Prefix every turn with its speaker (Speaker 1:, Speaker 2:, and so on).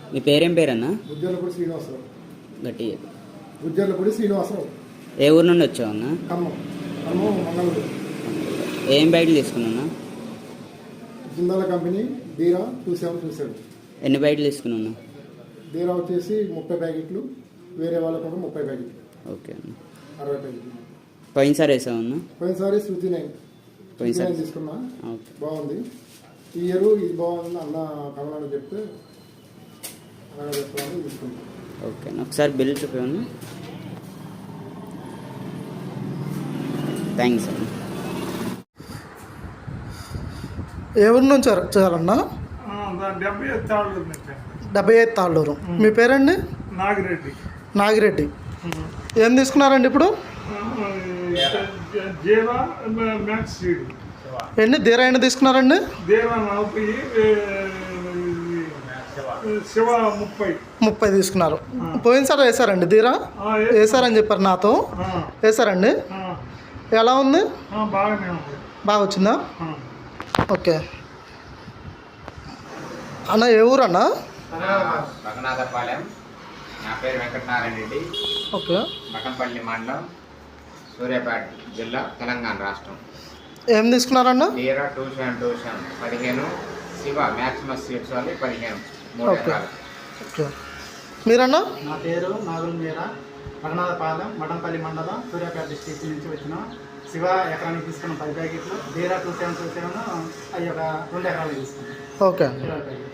Speaker 1: మీ పేరేం పేరన్నా?
Speaker 2: గుజ్జర్లపూడి శ్రీనివాసరావు.
Speaker 1: గట్టి
Speaker 2: గుజ్జర్లపూడి శ్రీనివాసరావు.
Speaker 1: ఏ ఊరు నుండి వచ్చావు అన్న?
Speaker 2: ఖమ్మం. మంగళూరు.
Speaker 1: ఏం బైక్లు తీసుకున్నా?
Speaker 2: జిందాల కంపెనీ బీరా 2727.
Speaker 1: ఎన్ని బైక్లు తీసుకున్నా?
Speaker 2: బీరా వచ్చేసి 30 ప్యాకెట్లు, వేరే వాళ్ళకు కూడా 30 ప్యాకెట్లు.
Speaker 1: ఓకే అన్న.
Speaker 2: 60 ప్యాకెట్లు.
Speaker 1: పోయినసారి వేసావన్నా?
Speaker 2: పోయినసారి శృతి 9 తీసుకున్నా. బాగుంది. ఈ ఇయర్ ఇది బాగుంది అన్న కమలాన్ని చెప్తే అలాగే చెప్తామని తీసుకుంటాం.
Speaker 1: ఓకే అన్న, ఒకసారి బిల్ చూపించండి. థ్యాంక్స్ అన్న.
Speaker 3: ఎవరి నుంచి చేయాలన్నా? 75 తాళ్ళూరు. మీ పేరండి? నాగిరెడ్డి. ఏం తీసుకున్నారండి ఇప్పుడు? ఎన్ని ధీరా ఎన్ని తీసుకున్నారండి? 30 తీసుకున్నారు. పోయినసారి వేసారండి ధీరా? వేసారని చెప్పారు నాతో. వేసారండి. ఎలా ఉంది? బాగా వచ్చిందా? ఓకే అన్న. ఏ ఊరు అన్న?
Speaker 4: రఘునాథపాలెం. నా పేరు వెంకటనారాయణ రెడ్డి.
Speaker 3: ఓకే.
Speaker 4: మఠంపల్లి మండలం, సూర్యాపేట జిల్లా, తెలంగాణ రాష్ట్రం.
Speaker 3: ఏం తీసుకున్నారన్న?
Speaker 4: బీరా 2727 15, శివ మ్యాక్సిమస్ సీడ్స్ వాళ్ళు 15.
Speaker 3: ఓకే. ఓకే. మీరన్నా?
Speaker 5: నా పేరు నాగుల్ మీరా. రఘునాథపాలెం, మఠంపల్లి మండలం, సూర్యాపేట డిస్ట్రిక్ట్ నుంచి వచ్చిన. శివ ఎకరానికి తీసుకున్న 10 ప్యాకెట్లు, బీరా 2727 అవి ఒక 2 ఎకరాలు తీసుకున్నాం.
Speaker 3: ఓకే.